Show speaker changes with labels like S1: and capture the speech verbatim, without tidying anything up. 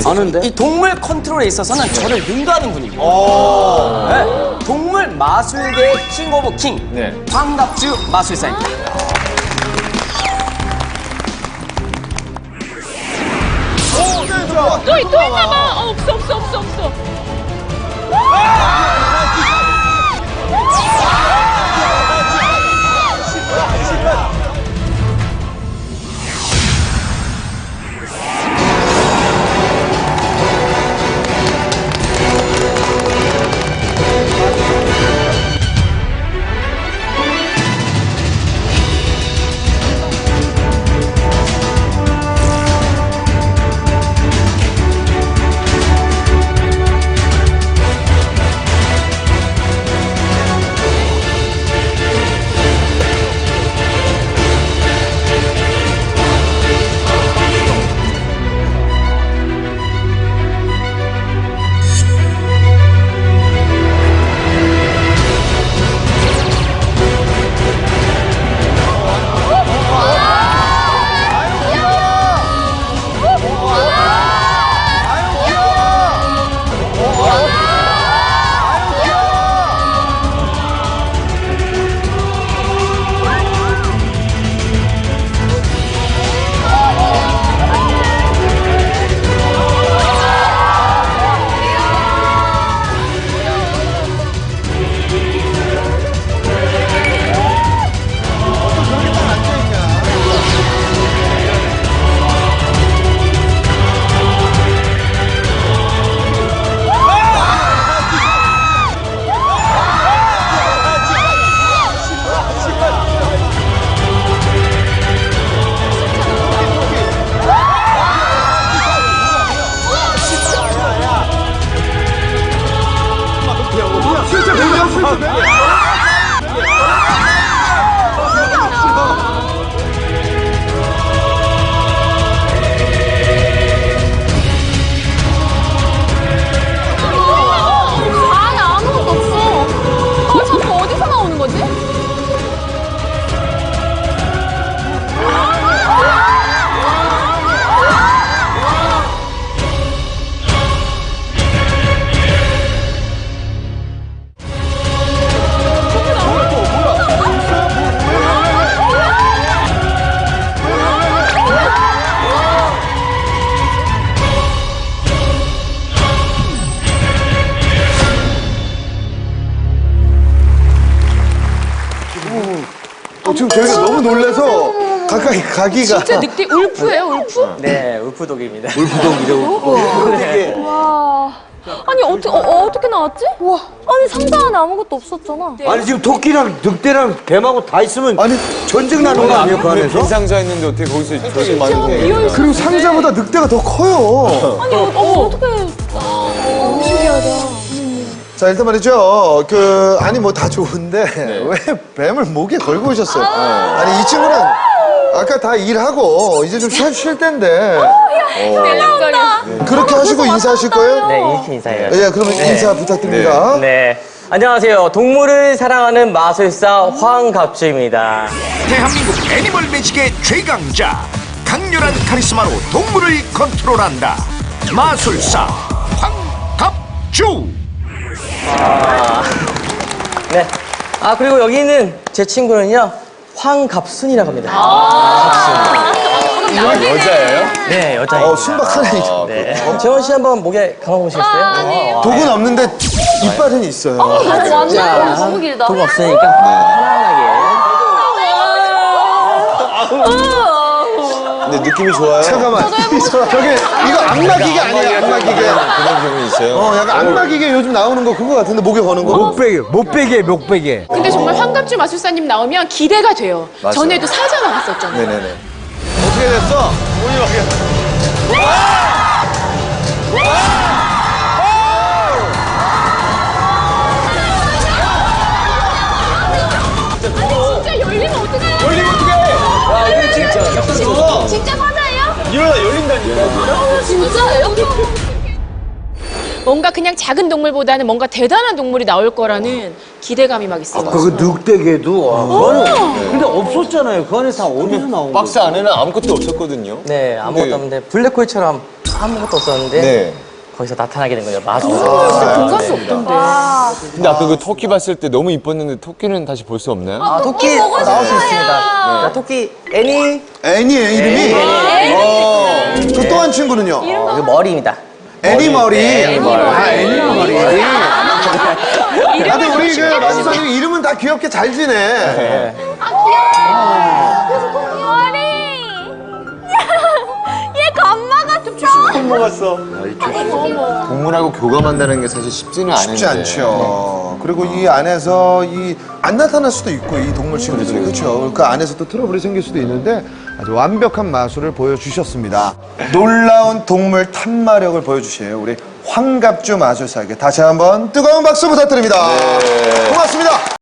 S1: 아는데?
S2: 이 동물 컨트롤에 있어서는 저를 능가하는 분입니다. 네. 동물 마술계의 킹 오브 킹,
S1: 네.
S2: 황갑주 마술사입니다.
S3: 또, 또 있나 봐. 어, 없어, 없어, 없어, 없어.
S4: 지금 저희가 너무 놀라서 가까이 가기가.
S3: 진짜 늑대 울프예요, 울프?
S2: 네, 울프독입니다.
S4: 울프독이라고.
S5: 네. 와. 아니 어떻게 어, 어떻게 나왔지? 와. 아니 상자 안에 아무것도 없었잖아.
S1: 아니 지금 토끼랑 늑대랑 뱀하고 다 있으면
S4: 아니
S1: 전쟁 나는 거 아니에요 그 안에서?
S6: 빈 상자였는데 어떻게 거기서 저렇게 많은 게?
S4: 그리고 상자보다 늑대가 더 커요.
S5: 아니 어, 어 어떻게? 너무 신기하다.
S4: 자 일단 말이죠. 그 아니 뭐 다 좋은데 왜 뱀을 목에 걸고 오셨어요? 아니 이 친구는 아까 다 일하고 이제 좀 쉴, 쉴 텐데.
S3: 네,
S4: 그렇게 하시고 인사하실 거예요?
S2: 네, 이렇게 인사해요.
S4: 예, 그러면 인사 부탁드립니다.
S2: 네. 안녕하세요. 동물을 사랑하는 마술사 황갑주입니다.
S7: 대한민국 애니멀 매직의 최강자, 강렬한 카리스마로 동물을 컨트롤한다. 마술사 황갑주.
S2: 아, 네. 아, 그리고 여기 있는 제 친구는요, 황갑순이라고 합니다.
S3: 아
S6: 여자예요?
S2: 네, 여자입니다.
S4: 어, 순박하네.
S2: 네. 재원 씨 한번 목에 감아보시겠어요?
S3: 아니에요.
S4: 독은 없는데 이빨은 있어요.
S5: 완전 너무 길다.
S2: 돈 없으니까 편안하게.
S6: 근데 느낌이 좋아요.
S4: 잠깐만. 저게 이거 악마기계 아니에요, 악마기계.
S6: 그런 기분이 있어요.
S4: 어, 약간 악마기계 요즘 나오는 거 그거 같은데 목에 거는 거.
S1: 목베개, 목베개, 목베개.
S3: 근데 정말 황갑주 마술사님 나오면 기대가 돼요.
S6: 맞아요.
S3: 전에도 사자 나왔었잖아요.
S4: 네네네.
S6: 어떻게 됐어?
S3: 진짜 열리면 어떡해요?
S6: 열리면 어떡해? 야, 이거 진짜. 진짜.
S3: 진짜 사자예요?
S6: 일어나 열린다니까.
S3: 진짜예요? 뭔가 그냥 작은 동물보다는 뭔가 대단한 동물이 나올 거라는 기대감이 막 있어요.
S1: 그 늑대개도 와, 그거는 근데 없었잖아요. 그 안에 다 어디서 나온 거야?
S6: 박스 안에는 아무것도 없었거든요.
S2: 네, 아무것도
S6: 근데
S2: 없는데 블랙홀처럼 아무것도 없었는데
S6: 네.
S2: 거기서 나타나게 된 거예요. 마술.
S3: 진짜 공갈 수 없던데.
S6: 근데 아까 그 토끼 봤을 때 너무 이뻤는데 토끼는 다시 볼 수 없나요?
S2: 아, 토끼
S5: 보고
S2: 나올 수
S5: 싶어요.
S2: 있습니다. 자, 토끼 애니.
S4: 애니예요, 이름이? 어, 저 또 한 친구는요?
S2: 어, 이거 머리입니다.
S4: 애니 머리.
S2: 애니 머리.
S4: 아, 애니 머리. 아, 근데 우리 그 마술사님 이름은 다 귀엽게 잘 지내.
S5: 머리. 얘 감마가 좀
S6: 동물하고 교감한다는 게 사실 쉽지는 않은데.
S4: 쉽지 않죠. 그리고 이 안에서 이 안 나타날 수도 있고 이 동물 친구들이 그렇죠. 그 안에서 또 트러블이 생길 수도 있는데 아주 완벽한 마술을 보여주셨습니다. 놀라운 동물 탐마력을 보여주신 우리 황갑주 마술사에게 다시 한번 뜨거운 박수 부탁드립니다. 고맙습니다.